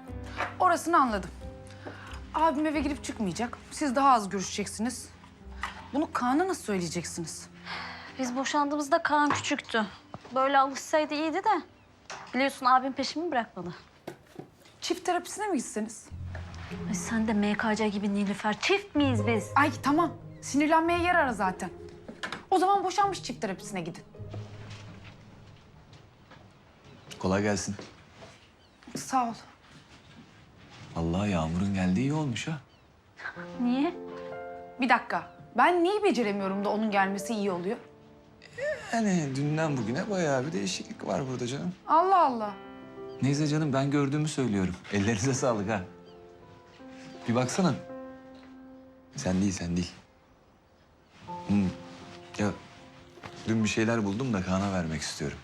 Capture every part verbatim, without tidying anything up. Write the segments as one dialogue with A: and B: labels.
A: Orasını anladım. Abim eve girip çıkmayacak. Siz daha az görüşeceksiniz. Bunu Kaan'a nasıl söyleyeceksiniz?
B: Biz boşandığımızda Kaan küçüktü. Böyle alışsaydı iyiydi de. Biliyorsun abim peşimi bırakmadı.
A: Çift terapisine mi gitseniz?
B: Ay sen de M K C gibi Nilüfer. Çift miyiz biz?
A: Ay tamam. Sinirlenmeye yer ara zaten. O zaman boşanmış çift terapisine gidin.
C: Kolay gelsin.
A: Sağ ol.
C: Vallahi Yağmur'un geldiği iyi olmuş ha.
B: Niye?
A: Bir dakika. Ben neyi beceremiyorum da onun gelmesi iyi oluyor?
C: Yani dünden bugüne bayağı bir değişiklik var burada canım.
A: Allah Allah.
C: Neyse canım ben gördüğümü söylüyorum. Ellerinize sağlık ha. Bir baksana. Sen değil, sen değil. Hmm. Ya dün bir şeyler buldum da Kaan'a vermek istiyorum.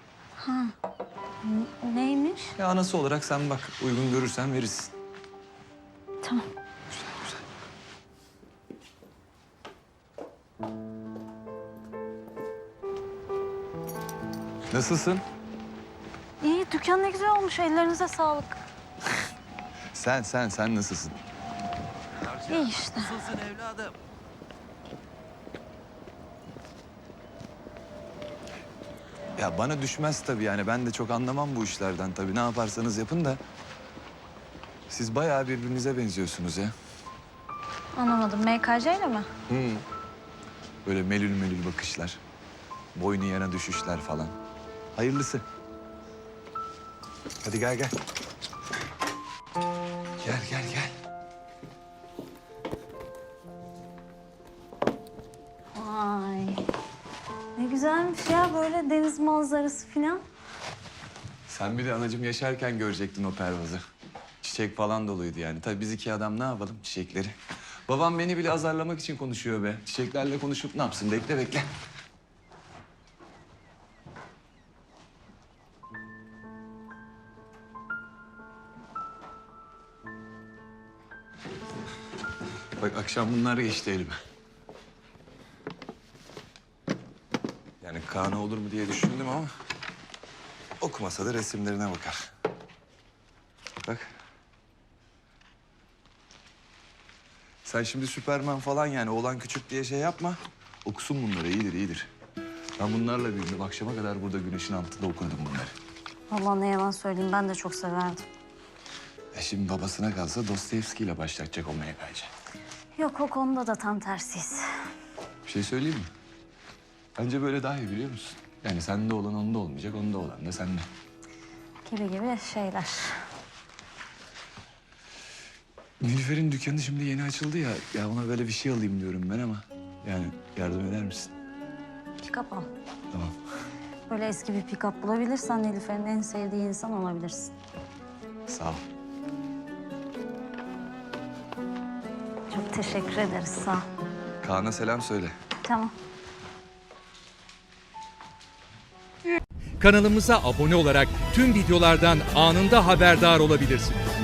B: Neymiş?
C: Ya anası olarak sen bak uygun görürsen verirsin.
B: Tamam.
C: Güzel, güzel. Nasılsın?
B: İyi, dükkan ne güzel olmuş. Ellerinize sağlık.
C: Sen, sen, sen nasılsın?
B: İyi işte.
D: Nasılsın evladım?
C: Ya bana düşmez tabii yani. Ben de çok anlamam bu işlerden tabii. Ne yaparsanız yapın da. Siz bayağı birbirinize benziyorsunuz ya.
B: Anlamadım. M K C ile mi?
C: Hı. Böyle melül melül bakışlar. Boynu yana düşüşler falan. Hayırlısı. Hadi gel gel. Gel gel gel.
B: Vay. Ne güzelmiş ya böyle deniz manzarası falan.
C: Sen bir de anacığım yaşarken görecektin o pervazı. Çiçek falan doluydu yani. Tabii biz iki adam ne yapalım çiçekleri. Babam beni bile azarlamak için konuşuyor be. Çiçeklerle konuşup ne yapsın? Bekle bekle. Bak akşam bunlar geçti elime. Yani Kaan'a olur mu diye düşündüm ama... okumasa da resimlerine bakar. Bak. Sen şimdi Süperman falan yani oğlan küçük diye şey yapma. Okusun bunları iyidir iyidir. Ben bunlarla büyüdüm. Akşama kadar burada güneşin altında okurdum bunları.
B: Vallahi ne yalan söyleyeyim ben de çok severdim.
C: E şimdi babasına kalsa Dostoyevski ile başlatacak o M K C.
B: Yok o konuda da tam tersiyiz.
C: Bir şey söyleyeyim mi? Bence böyle daha iyi biliyor musun? Yani sende olan onda olmayacak, onda olan da sende.
B: Gibi gibi şeyler.
C: Nilüfer'in dükkanı şimdi yeni açıldı ya. Ya ona böyle bir şey alayım diyorum ben ama... yani yardım eder misin?
B: Pick-up al.
C: Tamam.
B: Böyle eski bir pick-up bulabilirsen Nilüfer'in en sevdiği insan olabilirsin.
C: Sağ ol.
B: Çok teşekkür ederiz sağ ol.
C: Kaan'a selam söyle.
B: Tamam.
E: Kanalımıza abone olarak tüm videolardan anında haberdar olabilirsiniz.